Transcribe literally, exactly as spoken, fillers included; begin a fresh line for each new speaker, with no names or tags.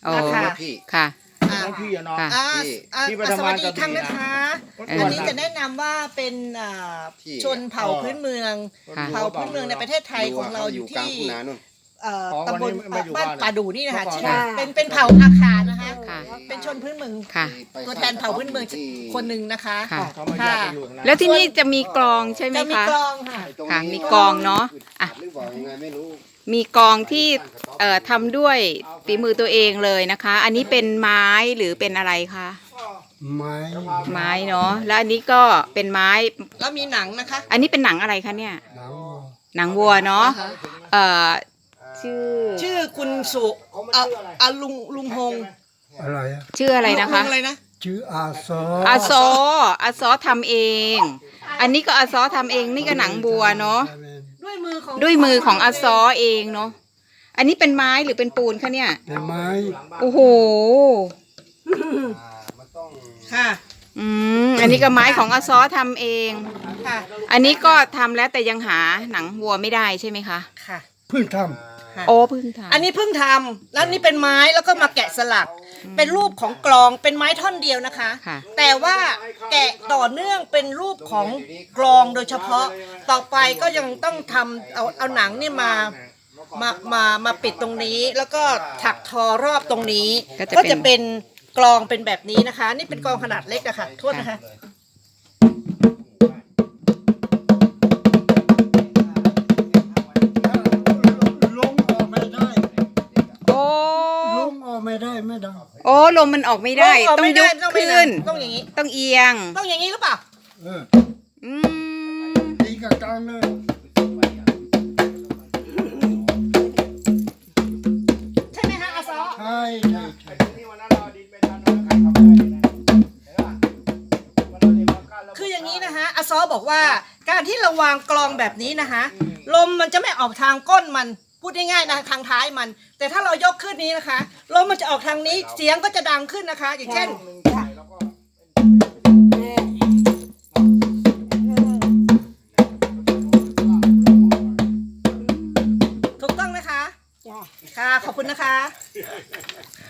นะคะ
พี่
ค่ะ
อ่า
น้องพี่อะน้อง
ค่ะ
อ่า
พี่
อ่า
พี่ไป
ส
ทำ
วั
งา
ส
น
ดี
กับ
อีกครั้งนะคะ
พี่
อัน
วัน
นี้
นั้น
จะแนะนำว่าเป็นอ่า
พี่
ชนเผ่าพื้นเมือง
ค่ะ
เผ่าพื้นเมืองในประเทศไทยของเราอยู่
กลาง
ที่
ทุ่งนานู่น
เอ่อ
อ๋อ
ตำบล
วันนี้ไม่อยู่
บ้าน
บ้าน
ป่าดูนี่นะคะ
เมื่อก่อน
ชื่อ
ค่ะ
เป็นเป็นเผ่าอาคานะคะ
ค่ะ
เป็นชนพื้นเมือง
ค่ะ
ตัวแทนเผ่าพื้นเมืองคนหนึ่งนะคะ
ค่ะ
เขามาแยกกันอยู่นะ
แล้วที่นี่จะมีกลองใช่ไหม
จะมี
คะ
กลองค่ะ
ไอ้ตรง
ค่ะ
นี้
มีกลองเนาะอ่ะ
หรือว่ายังไงไม่รู้
มีกลองที่เอ่อทำด้วยฝีมือตัวเองเลยนะคะ อันนี้เป็นไม้หรือเป็นอะไรคะ
ไม้
ไม้เนาะแล้วอันนี้ก็เป็นไม้
แล้วมีหนังนะคะ
อันนี้เป็นหนังอะไรคะเนี่ย
หนังวัว
หนังวัวเนาะเอ่อชื่อ
ชื่อคุณสุอ่ะอ่ะลุงลุงฮง
อะไรอะ
ชื่ออะไรนะคะ
ลุงอะไรนะ
ชื่ออาซอ
อาซออาซอทำเอง อันนี้ก็อาซอทำเองนี่ก็หนังบัวเนาะ
ด้วยมือของ
ด้วยมือของอาซอเองเนาะอันนี้เป็นไม้หรือเป็นปูนคะเนี่ย
เป็นไม้
โอ้โห
มันต้อง
ค่ะ
อืมอันนี้ก็ไม้ของอาซอทำเอง
ค่ะ
อันนี้ก็ทำแล้วแต่ยังหาหนังวัวไม่ได้ใช่ไหมคะ
ค่ะ
เพิ่งท
ค่ะ
โอ้เพิ่งทำ
อันนี้เพิ่งทำแล้วนี่เป็นไม้แล้วก็มาแกะสลัก เป็นรูปของกลองเป็นไม้ท่อนเดียวนะคะ
ค่ะ
แต่ว่าแกะต่อเนื่องเป็นรูปของกลองโดยเฉพาะ ต่อไปก็ยังต้องทำเอาเอาหนังนี่มามามามาปิดตรงนี้ แล้วก็ถักทอรอบตรงนี้ ก็จะเป็นกลองเป็นแบบนี้นะคะ นี่เป็นกลองขนาดเล็กอะค่ะโทษนะคะ
ำลงออกไม่ได้
โอ้
ลงออกไม่ได้ไม่ได้
โอ้ลมมันออกไม่ได้
ลงออก
ต้อง
ไม่
ย
ได้
ก
ต้องไม่
ขึ้น
ต้องอย่างนี้
ต้องเอียง
ต้องอย่างนี้หรือเปล่า
เออ
อืม
ตีกับกลางเลย
ใช่ไหมคะอาซอ
ใช่ใช่ใช่
คืออย่างนี้นะคะอาซอบอกว่าการที่เราวางกลองแบบนี้นะคะลมมันจะไม่ออกทางก้นมันพูดง่ายๆนะทางท้ายมัน แต่ถ้าเรายกขึ้นนี้นะคะลมมันจะออกทางนี้เสียงก็จะดังขึ้นนะคะ อย่างเช่น ถูกต้องนะคะค่ะขอบคุณนะคะ